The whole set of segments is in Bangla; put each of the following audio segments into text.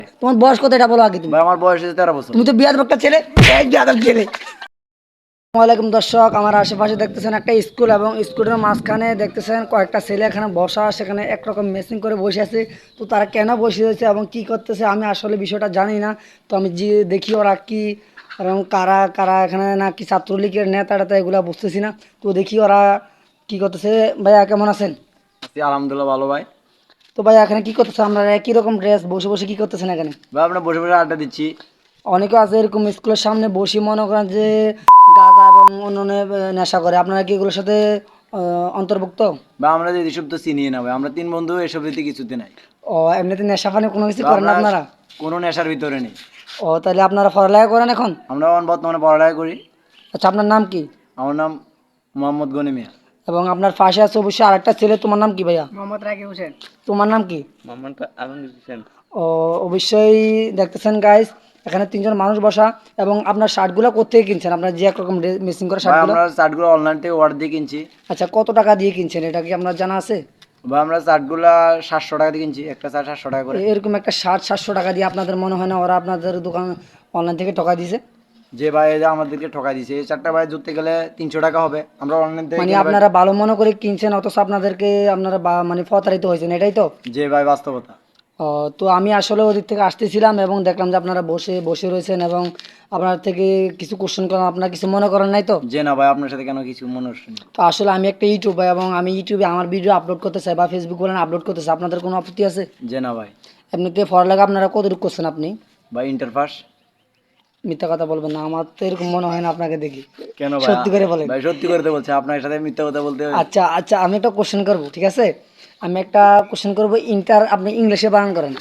তোমার বয়স কত এটা বলো আগে তুমি। ভাই আমার বয়স হচ্ছে 13 বছর। তুমি তো বিয়ার একটা ছেলে, এই বিয়াদব ছেলে। আসসালামাইকুম দর্শক, আমার আশেপাশে দেখতেছেন একটা স্কুল এবং স্কুলের মাঝখানে দেখতেছেন কয়েকটা ছেলে এখানে বসা, সেখানে একরকম মেসিং করে বসে আছে। তো তারা কেন বসে রয়েছে এবং কি করতেছে আমি আসলে বিষয়টা জানি না। তো আমি যে দেখি ওরা কি এবং কারা কারা এখানে নাকি ছাত্রলীগের নেতা টেতা এগুলো বুঝতেছি না। তো দেখি ওরা কি করতেছে। ভাইয়া কেমন আছেন? আছি আলহামদুলিল্লাহ ভালো ভাই। তো ভাইয়া এখানে কি করতেছে? আমরা একই রকম ড্রেস, বসে বসে কি করতেছেন এখানে? ভাই আমরা বসে বসে আড্ডা দিচ্ছি। অনেকে আছে এরকম স্কুলের সামনে বসে মনে করেন যে গাঁজা এবং অন্যান্য নেশা করে। আপনারা কি এগুলোর সাথে অন্তর্ভুক্ত? ভাই আমরা যে এসব তো চিনি না ভাই, আমরা 3 বন্ধু এসব রীতি কিছুতে নাই। ও, এমনিতে নেশা পানি কোনো কিছু ভাই করেন না আমরা আপনারা? কোনো নেশার ভিতরে নেই। ও, তাহলে আপনারা পড়ালেখা করেন এখন? আমরা এখন বর্তমানে পড়ালেখা করি। আচ্ছা, আপনার নাম কি? আমার নাম মোহাম্মদ গনি মিয়া। এবং আপনার পাশে আছে অবশ্যই আরেকটা ছেলে, তোমার নাম কি ভাইয়া? মোহাম্মদ রাকিব হোসেন। তোমার নাম কি? মোহাম্মদ আলমগীর হোসেন। ও, অবশ্যই দেখতেছেন গাইস, এখানে তিনজন মানুষ বসা। এবং আপনার শার্টগুলো কোথেকে কিনছেন? আপনার যে একরকম মিসিং করা ভাই শার্টগুলো? আমরা শার্টগুলো অনলাইন থেকে অর্ডার দিয়ে কিনছি। আচ্ছা, কত টাকা দিয়ে কিনছেন এটা কি আপনার জানা আছে? ভাই আমরা শার্টগুলা 700 টাকা দিয়ে কিনছি, একটা শার্ট 700 টাকা করে। এরকম একটা শার্ট 700 টাকা দিয়ে আপনাদের মনে হয় না ওরা আপনাদের দোকান অনলাইন থেকে টাকা দিয়েছে? যে ভাই যে আমাদেরকে ঠকা দিয়েছে, এই চারটা ভাই ধরতে গেলে 300 টাকা হবে। আমরা অনলাইন থেকে মানে কিনে ভাই। আপনারা ভালো মনে করে কিনছেন অথচ আপনাদেরকে আপনারা মানে প্রতারিত হয়েছেন, এটাই তো? যে ভাই বাস্তবতা। ও, তো আমি আসলে ওদিক থেকে আসতেছিলাম এবং দেখলাম যে আপনারা বসে বসে রয়েছেন এবং আপনার থেকে কিছু কোশ্চেন করলাম, আপনারা কিছু মনে করেন নাই তো? যে না ভাই আপনার সাথে কেন কিছু মনে হচ্ছে না। তো আসলে আমি একটা ইউটিউবার এবং আমি ইউটিউবে আমার ভিডিও আপলোড করতে চাই বা ফেসবুক বলেন আপলোড করতে চাই, আপনাদের কোনো আপত্তি আছে? যে না ভাই। এমনিতে পড়ালেখা আপনারা কতটুকু করছেন আপনি? ভাই ইন্টার পাস। মিথ্যা কথা বলবেন না, আমার তো এরকম মনে হয় না আপনাকে দেখি। কেন ভাই? সত্যি করে বলেন। ভাই সত্যি করে তো বলছে, আপনার সাথে মিথ্যা কথা বলতে হবে? আচ্ছা আচ্ছা, আমি একটা কোশ্চেন করবো, ঠিক আছে? আমি একটা কোশ্চেন করবো, ইন্টার আপনি ইংলিশে বানান করেন।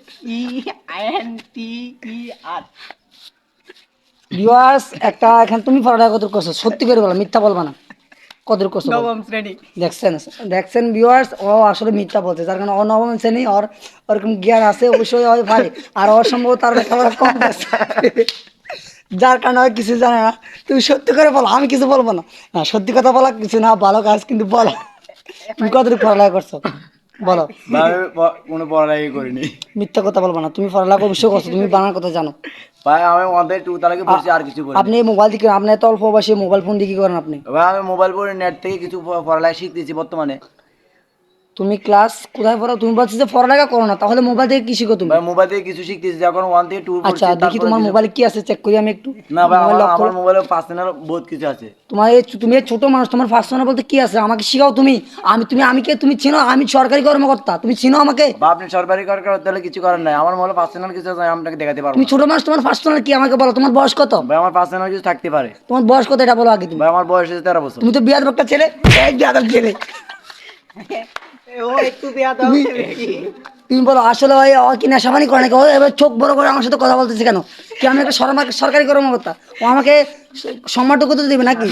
INTER। ভিউয়ার্স, একটা এখানে তুমি পড়ালেখা কত করছো? সত্যি করে বলো, মিথ্যা বলবা না। কত করছো বলো? নবম শ্রেণী। দেখছেন? দেখছেন ভিউয়ার্স, ও আসলে মিথ্যা বলছে, যার কারণে ও নবম শ্রেণী, ওর ওরকম জ্ঞান আছে অবশ্যই হয় ভাই। আর ওর সম্ভবত তার লেখাপড়া কম আছে, যার কারণে ও কিছু জানে না। তুমি সত্যি করে বলো, আমি কিছু বলবো না। না, সত্যি কথা বলা কিছু না, ভালো কাজ কিন্তু বলো। তুমি কতটুকু পড়ালেখা করছো বলো? ভাই আমি কোনো পড়ালেখাই করিনি। মিথ্যা কথা বলবো না, তুমি পড়ালেখা অবশ্যই করছো, তুমি বানার কথা জানো। ভাই আমি আমাদের 2 তালাকে পড়ছি, আর কিছু করিনি। আপনি মোবাইল দিকে, আপনি এত অল্প বয়সে মোবাইল ফোন দিয়ে কি করেন আপনি? ভাই আমি মোবাইল পড়ে নেট থেকে কিছু পড়ালেখা শিখতেছি বর্তমানে। তুমি ক্লাস কোথায় পড়ো? তুমি বলছো যে পড়ালেখা করো না, তাহলে মোবাইল থেকে কি শিখো তুমি? ভাই মোবাইল থেকে কিছু শিখতেছি, যখন 1 থেকে 2 আচ্ছা, পড়ছি দেখি তোমার মোবাইলে কি আছে, চেক করি আমি একটু। না ভাই মোবাইল লক করো। আমার মোবাইলে পার্সোনাল বহুত কিছু আছে। তোমার এই তুমি এই ছোট মানুষ, তোমার পার্সোনাল বলতে কি আছে আমাকে শিখাও তুমি। আমি কে তুমি চিনো? আমি সরকারি কর্মকর্তা, তুমি চিনো আমাকে? বা আপনি সরকারি করার তাহলে কিছু করার নাই, আমার মোবাইলে পার্সোনাল কিছু আছে, আমি আপনাকে দেখাতে পারবো তুমি না। ছোট মানুষ, তোমার পার্সোনাল কি আমাকে বলো? তোমার বয়স কত? ভাই আমার পার্সোনাল কিছু থাকতে পারে। তোমার বয়স কত এটা বলো আগে তুমি। ভাই আমার বয়স হচ্ছে 13 বছর। তুমি তো বিয়াদব একটা ছেলে, এই বিয়াদব ছেলে। ও একটু বেয়াদব বেশি। তুমি বলো আসলে ওই ও কি নেশাপানি করে নাকি? ও এবার চোখ বড় করে আমার সাথে কথা বলতেছে কেন? কি আমি একটা সরকারি কর্মকর্তা? ও আমাকে সম্মানটুকু তো দেবে নাকি?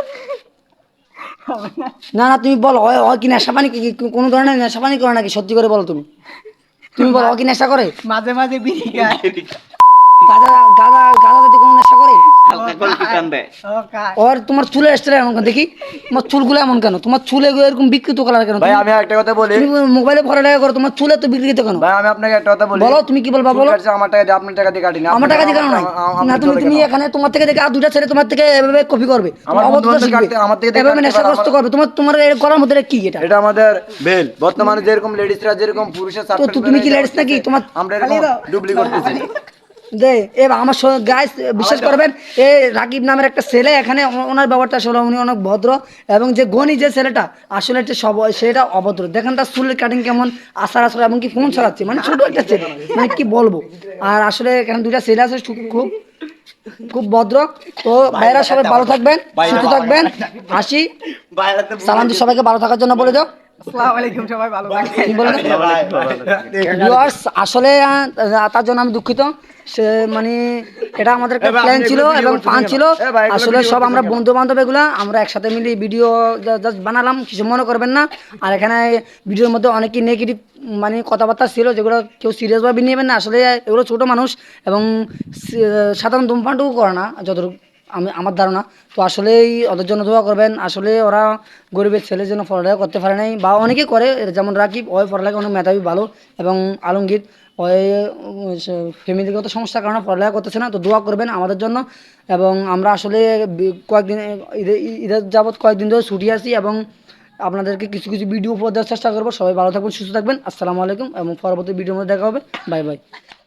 না না, তুমি বলো ও কি নেশাপানি কোনো ধরনের নেশাপানি করে নাকি? সত্যি করে বলো তুমি। তুমি বলো ও কি নেশা করে? মাঝে মাঝে বিড়ি খায়। গাঁজা গাঁজা গাঁজা জাতীয় কোনো নেশা করে? ও খায়। ওর তোমার চুলের স্টাইল এমন কেন দেখি? তোমার চুলগুলো এমন কেন? তোমার চুলে এরকম বিকৃত কালার কেন? ভাই আমি একটা কথা বলি। তুমি মোবাইলে পড়ালেখা করো, তোমার চুলে তো বিকৃত কেন? ভাই আমি আপনাকে একটা কথা বলি। বলো, তুমি কি বলবা বলো? চুল কাটছে আমার টাকা দিয়ে, আপনার টাকা দিয়ে কাটিনি। আমার টাকা দিয়ে কেন নাই? না, তুমি এখানে তোমার থেকে দেখে আর দুইটা ছেলে তোমার থেকে এভাবে কপি করবে, আমার অভদ্রতা বন্ধু-বান্ধব শিখবে, কাটতে- আমার থেকে দেখে এভাবে কাটতে পারে, নেশাগ্রস্ত করবে। তোমার তোমার এর করার মধ্যে এটা কি? এটা এটা আমাদের বেল। বর্তমানে যেরকম লেডিসরা যেরকম পুরুষের তো তুমি কি ladies নাকি? তোমার- আমরা এরকম ডুবলি করতেছি। যে আমার গাইস বিশ্বাস করবেন, এ রাকিব নামের একটা ছেলে এখানে, ওনার ব্যাপারটা আসলে উনি অনেক ভদ্র। এবং যে গনি যে ছেলেটা আসলে একটা সেটা অভদ্র। দেখেন তার চুলের কাটিং কেমন, আচার আচার, এমনকি ফোন চালাচ্ছে, মানে ছোট একটা ছেলে, মানে কি বলবো। আর আসলে এখানে দুইটা ছেলে আছে খুব খুব ভদ্র। তো ভাইরা সবাই ভালো থাকবেন, সুস্থ থাকবেন, হাসি সালাম দিয়ে সবাইকে ভালো থাকার জন্য বলে দাও। আসসালামু আলাইকুম, সবাই ভালো থাকবেন। কি বললেন? ভিউয়ার্স, আসলে তার জন্য আমি দুঃখিত। সে মানে এটা আমাদের একটা প্ল্যান ছিল এবং ফান ছিল। আসলে সব আমরা বন্ধু বান্ধব এগুলা আমরা একসাথে মিলে ভিডিও জাস্ট বানালাম, কিছু মনে করবেন না। আর এখানে ভিডিওর মধ্যে অনেকই নেগেটিভ মানে কথাবার্তা ছিল, যেগুলো কেউ সিরিয়াসভাবে নেবেন না। আসলে এগুলো ছোট মানুষ এবং সাধারণ ধূমপানটুকু করে না যতটুকু আমার ধারণা। তো আসলেই ওদের জন্য দোয়া করবেন। আসলে ওরা গরিবের ছেলের জন্য পড়ালেখা করতে পারে নাই, বা অনেকে করে, যেমন রাকিব, ওই পড়ালেখা অনেক মেধাবী ভালো, এবং আলমগীর ওই ফ্যামিলিগত সমস্যার কারণে পড়ালেখা করতেছে না। তো দোয়া করবেন আমাদের জন্য। এবং আমরা আসলে কয়েকদিন ঈদের যাবৎ কয়েকদিন ধরে ছুটি আছি এবং আপনাদেরকে কিছু কিছু ভিডিও উপহার দেওয়ার চেষ্টা করবো। সবাই ভালো থাকবেন, সুস্থ থাকবেন। আসসালামু আলাইকুম এবং পরবর্তী ভিডিওর মধ্যে দেখা হবে। Bye by.